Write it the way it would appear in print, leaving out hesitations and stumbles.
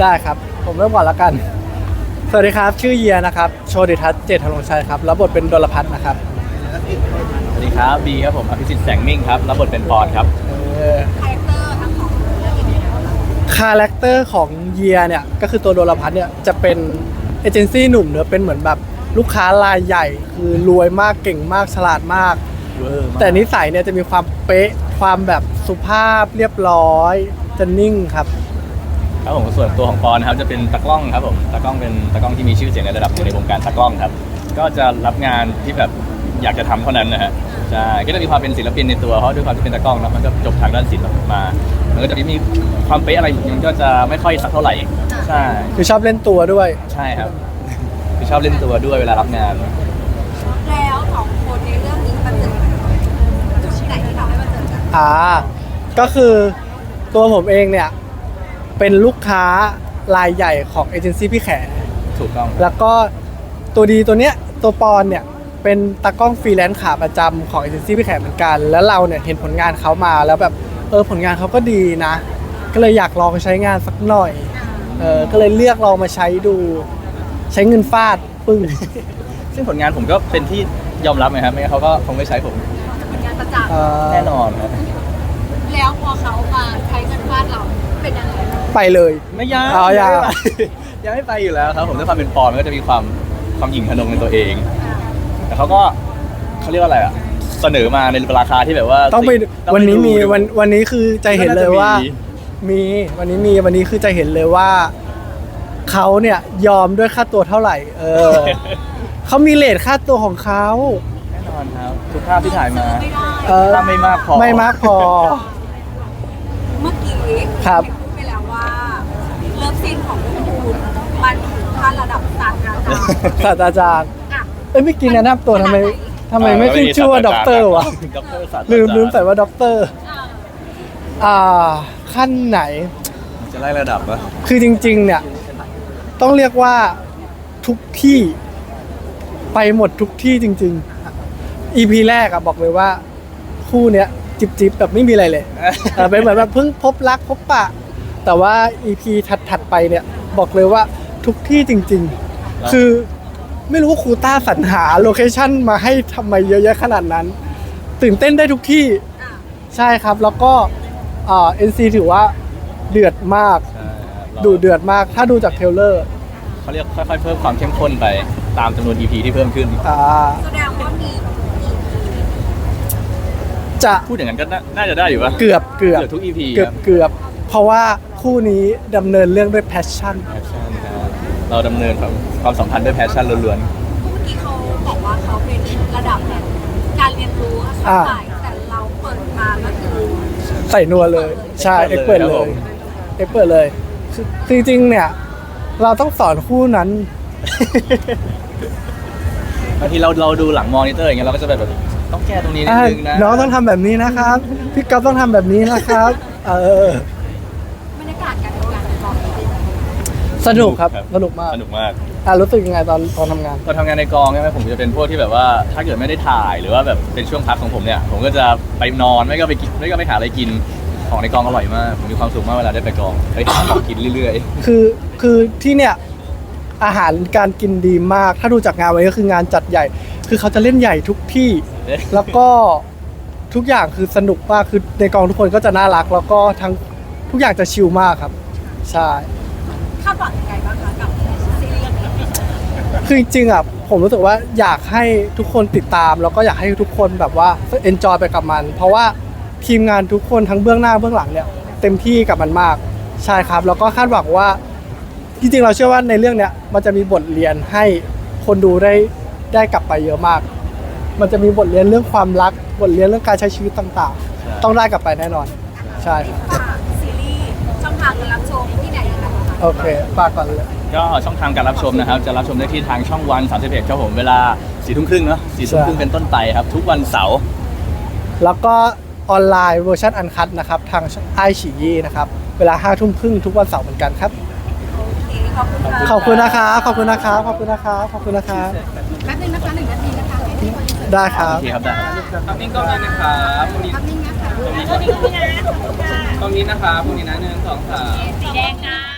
ได้ครับผมเริ่มก่อนแล้วกันสวัสดีครับชื่อเยียนะครับโชติทัศน์เจตธนงชัยครับรับบทเป็นดลพัฒน์นะครับสวัสดีครับบีครับผมอภิสิทธิ์แสงมิ่งครับรับบทเป็นปอนครับคาแรคเตอร์ของเยียเนี่ยก็คือตัวดลพัฒน์เนี่ยจะเป็นเอเจนซี่หนุ่มเนอะเป็นเหมือนแบบลูกค้ารายใหญ่คือรวยมากเก่งมากฉลาดมากแต่นิสัยเนี่ยจะมีความเป๊ะความแบบสุภาพเรียบร้อยจะนิ่งครับครับผมส่วนตัวของปอนนะครับจะเป็นตากล้องครับผมตากล้องเป็นตากล้องที่มีชื่อเสียงในระดับในวงการตากล้องครับก็จะรับงานที่แบบอยากจะทำเท่านั้นนะฮะใช่ก็จะมีความเป็นศิลปินในตัวเพราะด้วยความที่เป็นตากล้องนะมันก็จบทางด้านศิลป์มามันก็จะมีความเป๊ะอะไรมันก็จะไม่ค่อยสักเท่าไหร่ใช่คือชอบเล่นตัวด้วยใช่ครับคือชอบเล่นตัวด้วยเวลารับงานแล้วสองคนในเรื่องนี้มาเจอจุดไหนที่ทำให้มาเจอกันก็คือตัวผมเองเนี่ยเป็นลูกค้ารายใหญ่ของเอเจนซี่พี่แขถูกต้องแล้วก็ตัวดีตัวเนี้ยตัวปอนเนี่ยเป็นตากล้องฟรีแลนซ์ขาประจำของเอเจนซี่พี่แขเหมือนกันแล้วเราเนี่ยเห็นผลงานเขามาแล้วแบบผลงานเขาก็ดีนะก็เลยอยากลองใช้งานสักหน่อยก็เลยเลือกลองมาใช้ดูใช้เงินฟาดปึ้งซึ่งผลงานผมก็เป็นที่ยอมรับไหมครับไม่งั้นเขาก็คงไม่ใช้ผมผลงานประจักษ์แน่นอนครับแล้วพอเขามาใช้เงินฟาดเราเป็นยังไงไปเลยไม่ยังยังไม่ไปอยู่แล้วครับผมด้วยความเป็นปอนก็จะมีความหยิ่งพนงในตัวเองแต่เขาเรียกว่าอะไรอ่ะเสนอมาในราคาที่แบบว่าต้องไปวันนี้มีวันนี้คือใจเห็นเลยว่ามีวันนี้คือใจเห็นเลยว่าเขาเนี่ยยอมด้วยค่าตัวเท่าไหร่เขามีเรทค่าตัวของเขาแน่นอนครับทุกภาพที่ถ่ายมาถ้าไม่มากพอเมื่อกี้ครับพูดไปแล้วว่าเลิฟซีนของคุณมันถึงขั้นระดับศาสตราจารย์ไม่กินแนะนำตัวทำไมไม่ขึ้นชื่อว่าด็อกเตอร์วะลืมใส่ว่าด็อกเตอร์ขั้นไหนจะไล่ระดับปะคือจริงๆเนี่ยต้องเรียกว่าทุกที่ไปหมดทุกที่จริงๆ EP แรกบอกเลยว่าคู่เนี้ยจิบแบบไม่มีอะไรเลยเป็นเหมือนแบบเพิ่งพบรักพบปะแต่ว่า EP ถัดไปเนี่ยบอกเลยว่าทุกที่จริงๆคือไม่รู้ว่าครูต้าสรรหาโลเคชั่นมาให้ทำไมเยอะแยะขนาดนั้นตื่นเต้นได้ทุกที่ใช่ครับแล้วก็NC ถือว่าเดือดมากดูเดือดมากถ้าดูจากเทรลเลอร์เขาเรียกค่อยๆเพิ่มความเข้มข้นไปตามจำนวน EP ที่เพิ่มขึ้นแสดงว่ามีจะพูดอย่างนั้นก็น่าจะได้อยู่ป่ะเกือบทุก EP เกือบเพราะว่าคู่นี้ดำเนินเรื่องด้วยแพชชั่นเราดำเนินความสัมพันธ์ด้วยแพชชั่นล้วนๆเมื่อกี้เขาบอกว่าเขาเป็นระดับแบบการเรียนรู้ค่ะแต่เราเปิดมาก็คือใส่นัวเลยใช่เปิดเลยคือจริงๆเนี่ยเราต้องสอนคู่นั้นบางทีเราดูหลังมอนิเตอร์อย่างเงี้ยเราก็จะแบบต้องแก้ตรงนี้นิดนึงนะน้องต้องทำแบบนี้นะครับพี่ก๊อฟต้องทำแบบนี้นะครับบรรยากาศการทำงานในกองสนุกครับสนุกมากรู้สึกยังไงตอนทำงานในกองใช่ไหมผมจะเป็นพวกที่แบบว่าถ้าเกิดไม่ได้ถ่ายหรือว่าแบบเป็นช่วงพักของผมเนี่ยผมก็จะไปนอนไม่ก็ไปกินไม่ก็ไปหาอะไรกินของในกองอร่อยมากผมมีความสุขมากเวลาได้ไปกองไปหาของกินเรื่อยๆคือที่เนี่ยอาหารการกินดีมากถ้าดูจากงานวันนี้ก็คืองานจัดใหญ่คือเขาจะเล่นใหญ่ทุกที่แล้วก็ทุกอย่างคือสนุกมากคือในกองทุกคนก็จะน่ารักแล้วก็ทั้งทุกอย่างจะชิลมากครับใช่คาดหวังยังไงบ้างคะกับซีรีส์นี้คือจริงๆผมรู้สึกว่าอยากให้ทุกคนติดตามแล้วก็อยากให้ทุกคนแบบว่าเอนจอยไปกับมันเพราะว่าทีมงานทุกคนทั้งเบื้องหน้าเบื้องหลังเนี่ยเต็มที่กับมันมากใช่ครับแล้วก็คาดหวังว่าจริงๆเราเชื่อว่าในเรื่องเนี้ยมันจะมีบทเรียนให้คนดูได้กลับไปเยอะมากมันจะมีบทเรียนเรื่องความรักบทเรียนเรื่องการใช้ชีวิตต่างๆต้องได้กลับไปแน่นอนใช่ซีรีส์ช่องทางการรับชมที่ไหนยังไงคะโอเคฝากก่อนเลยก็ช่องทางการรับชมนะครับจะรับชมได้ที่ทางช่องวัน31ครับผมเวลา 4:30 เนาะ 4:30 เป็นต้นไปครับทุกวันเสาร์แล้วก็ออนไลน์เวอร์ชันอันคัทนะครับทางไอฉี่นะครับเวลา 5:30 ทุกวันเสาร์เหมือนกันครับขอบคุณนะครับแป๊บนึงนะคะ1 นาทีนะคะได้ครับโอเคครับได้ครับนิ่งกล้องเลยนะครับตรงนี้นะครับตรงนี้นะครับตรงนี้นะ1 2 3สีแดงค่ะ